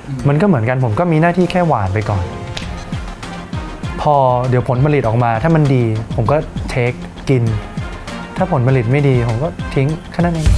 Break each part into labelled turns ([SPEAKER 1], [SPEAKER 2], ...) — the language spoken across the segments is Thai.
[SPEAKER 1] มันก็เหมือนกันผมก็มีหน้าที่แค่หวานไปก่อนพอเดี๋ยวผลผลิตออกมาถ้ามันดีผมก็เทคกินถ้าผลผลิตไม่ดีผมก็ทิ้งแค่นั้นเอง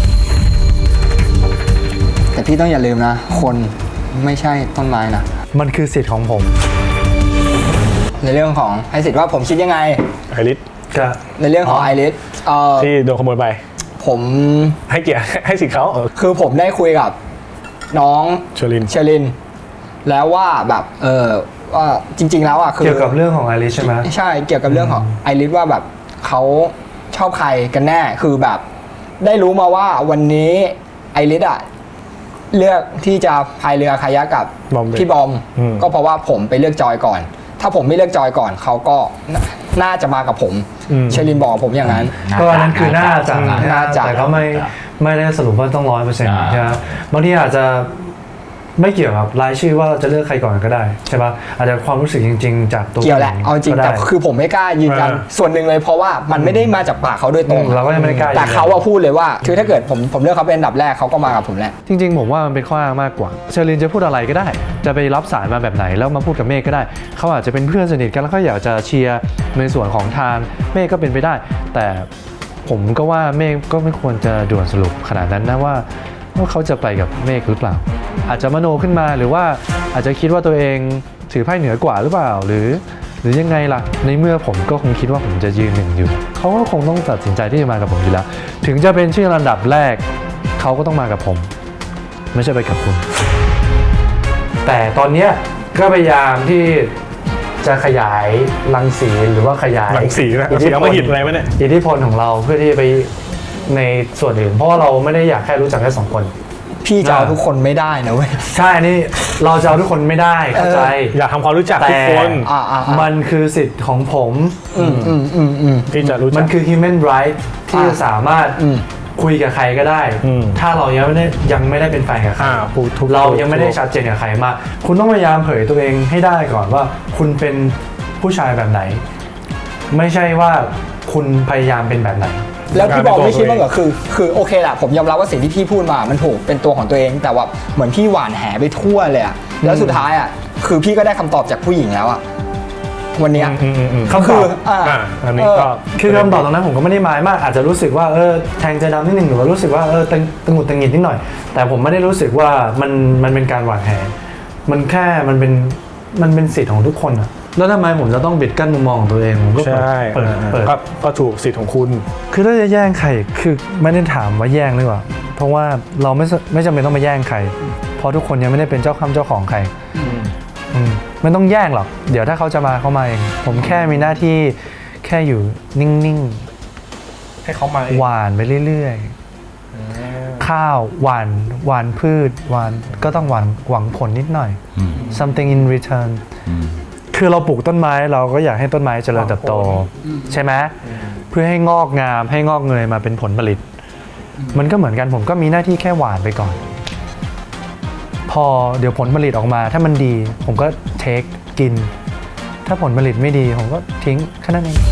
[SPEAKER 2] แต่พี่ต้องอย่าลืมนะคนไม่ใช่ต้นไม้นะ
[SPEAKER 1] มันคือสิทธิ์ของผม
[SPEAKER 2] ในเรื่องของไอริสว่าผมคิดยังไง
[SPEAKER 3] ไอริส
[SPEAKER 2] ในเรื่องของไอริส
[SPEAKER 3] ที่โดนขโมยไป
[SPEAKER 2] ผม
[SPEAKER 3] ให้เกียรติให้สิทธิ์เขา
[SPEAKER 2] คือผมได้คุยกับน้องเชลินแล้วว่าแบบว่าจริงๆแล้วอ่ะคือ
[SPEAKER 1] เกี่ยวกับเรื่องของไอริสใช่ไหม
[SPEAKER 2] ใช่เกี่ยวกับเรื่องของไอริสว่าแบบเขาชอบใครกันแน่คือแบบได้รู้มาว่าวันนี้ไอริสอ่ะเลือกที่จะพายเรือคายักกับพี่บอมก็เพราะว่าผมไปเลือกจอยก่อนถ้าผมไม่เลือกจอยก่อนเขาก็น่าจะมากับผมเชลินบอกผมอย่างนั้น
[SPEAKER 1] ก็อันนั้นคือน่าจะแต่เขาไม่ได้สรุปว่าต้อง 100% ใช่ไหมบางทีอาจจะไม่เกี่ยวกับรายชื่อว่าจะเลือกใครก่อนก็ได้ใช่ป่ะอาจจะความรู้สึกจริงๆจากตัว
[SPEAKER 2] เกี่ยวแหละเอาจริงแต่คือผมไม่กล้ายืนยันส่วนหนึ่งเลยเพราะว่ามันไม่ได้มาจากปากเขาโดยตรง
[SPEAKER 1] เราก็ยังไม่กล้า
[SPEAKER 2] แต่เขาพูดเลยว่าคือถ้าเกิดผมเลือกเขาเป็นอันดับแรกเขาก็มากับผมแหละ
[SPEAKER 1] จริงๆผมว่ามันเป็นข้ออ้างมากกว่าเชอรินจะพูดอะไรก็ได้จะไปรับสารมาแบบไหนแล้วมาพูดกับเมฆก็ได้เขาอาจจะเป็นเพื่อนสนิทกันแล้วเขาอยากจะเชียร์ในส่วนของทางเมฆก็เป็นไปได้แต่ผมก็ว่าเมฆก็ไม่ควรจะด่วนสรุปขนาดนั้นนะว่าเขาจะไปกับเมฆหรือเปล่าอาจจะมโนขึ้นมาหรือว่าอาจจะคิดว่าตัวเองถือไพ่เหนือกว่าหรือเปล่าหรือยังไงล่ะในเมื่อผมก็คงคิดว่าผมจะยืนหนึ่งอยู่เขาก็คงต้องตัดสินใจที่จะมากับผมอยู่แล้วถึงจะเป็นชื่อลำดับแรกเขาก็ต้องมากับผมไม่ใช่ไปกับคุณแต่ตอนนี้ก็พยายามที่จะขยายรังสีหรือว่าขยาย
[SPEAKER 3] รังสีนะเสียมาหินอะไรไหมเนี่ย
[SPEAKER 1] อิทธิพลของเราเพื่อที่จะไปในส่วนอื่นเพราะว่าเราไม่ได้อยากแค่รู้จักแค่2 คน
[SPEAKER 2] พี่จะเอาทุกคนไม่ได้นะเว้ย
[SPEAKER 1] ใช่นี่เราจะเอาทุกคนไม่ได้เข้าใจ
[SPEAKER 3] อยากทำความรู้จักทุกคน
[SPEAKER 1] มันคือสิทธิ์ของผม
[SPEAKER 3] ที่จะรู้จัก
[SPEAKER 1] มันคือ human right ที่จะสามารถคุยกับใครก็ได้ถ้าเรายังไม่ได้เป็นแฟนกับใครเรายังไม่ได้ชัดเจนกับใครมาคุณต้องพยายามเผยตัวเองให้ได้ก่อนว่าคุณเป็นผู้ชายแบบไหนไม่ใช่ว่าคุณพยายามเป็นแบบไหน
[SPEAKER 2] แล้วพี่บอกไม่คิดว่าคือโอเคแหละผมยอมรับว่าสิ่งที่พี่พูดมามันถูกเป็นตัวของตัวเองแต่ว่าเหมือนพี่หว่านแหไปทั่วเลยอะแล้วสุดท้ายอะคือพี่ก็ได้คำตอบจากผู้หญิงแล้วอะวันนี้
[SPEAKER 1] เขาคืออันนี้ก็คือคำตอบตรงนั้นผมก็ไม่ได้หมายมากอาจจะรู้สึกว่าแทงใจดำนิดหนึ่งหรือว่ารู้สึกว่าตะหงุดตะหงิดนิดหน่อยแต่ผมไม่ได้รู้สึกว่ามันเป็นการหว่านแหมันแค่มันเป็นสิทธิ์ของทุกคนอะแล้วทำไมผมจะต้องบิดกั้นมุมมองของตัวเองผมก็เปิด
[SPEAKER 3] ก็ถูกสิทธิ์ของคุณ
[SPEAKER 1] คือถ้าจะแย่งใครคือไม่ได้ถามว่าแย่งหรือเปล่าเพราะว่าเราไม่จำเป็นต้องมาแย่งใครเพราะทุกคนยังไม่ได้เป็นเจ้าของใครไม่ต้องแย่งหรอกเดี๋ยวถ้าเขาจะมาเขามาเองผมแค่มีหน้าที่แค่อยู่นิ่ง
[SPEAKER 3] ๆให้เขามา
[SPEAKER 1] หวานไปเรื่อยๆข้าวหวานพืชหวานก็ต้องหวังผลนิดหน่อย something in returnคือเราปลูกต้นไม้เราก็อยากให้ต้นไม้เจริญเติบโตใช่ไหมเพื่อให้งอกงามให้งอกเงยมาเป็นผลผลิตมันก็เหมือนกันผมก็มีหน้าที่แค่หวานไปก่อนพอเดี๋ยวผลผลิตออกมาถ้ามันดีผมก็เทคกินถ้าผลผลิตไม่ดีผมก็ทิ้งแค่นั้นเอง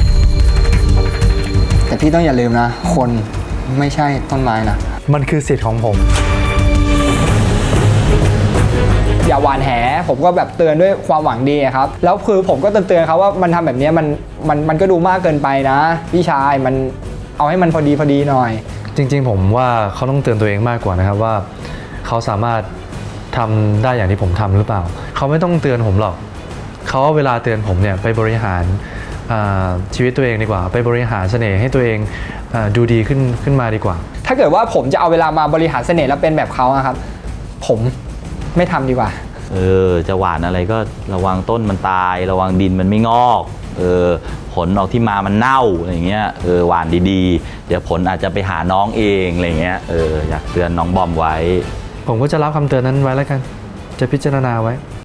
[SPEAKER 2] แต่พี่ต้องอย่าลืมนะคนไม่ใช่ต้นไม้นะ
[SPEAKER 1] มันคือสิทธิ์ของผม
[SPEAKER 2] อย่าหวานแหผมก็แบบเตือนด้วยความหวังดีครับแล้วคือผมก็เตือนเขาว่ามันทำแบบนี้มันก็ดูมากเกินไปนะพี่ชายมันเอาให้มันพอดีหน่อย
[SPEAKER 1] จริงๆผมว่าเขาต้องเตือนตัวเองมากกว่านะครับว่าเขาสามารถทำได้อย่างที่ผมทำหรือเปล่าเขาไม่ต้องเตือนผมหรอกเขาเวลาเตือนผมเนี่ยไปบริหารชีวิตตัวเองดีกว่าไปบริหารเสน่ห์ให้ตัวเองดูดีขึ้นมาดีกว่า
[SPEAKER 2] ถ้าเกิดว่าผมจะเอาเวลามาบริหารเสน่ห์แล้วเป็นแบบเขาครับผมไม่ทำดีกว่า
[SPEAKER 4] จะหวานอะไรก็ระวังต้นมันตายระวังดินมันไม่งอกผลออกที่มามันเน่าอะไรเงี้ยหวานดีๆเดี๋ยวผลอาจจะไปหาน้องเองอะไรเงี้ยอยากเตือนน้องบอมไว้
[SPEAKER 1] ผมก็จะรับคำเตือนนั้นไว้แล้วกันจะพิจารณาไว้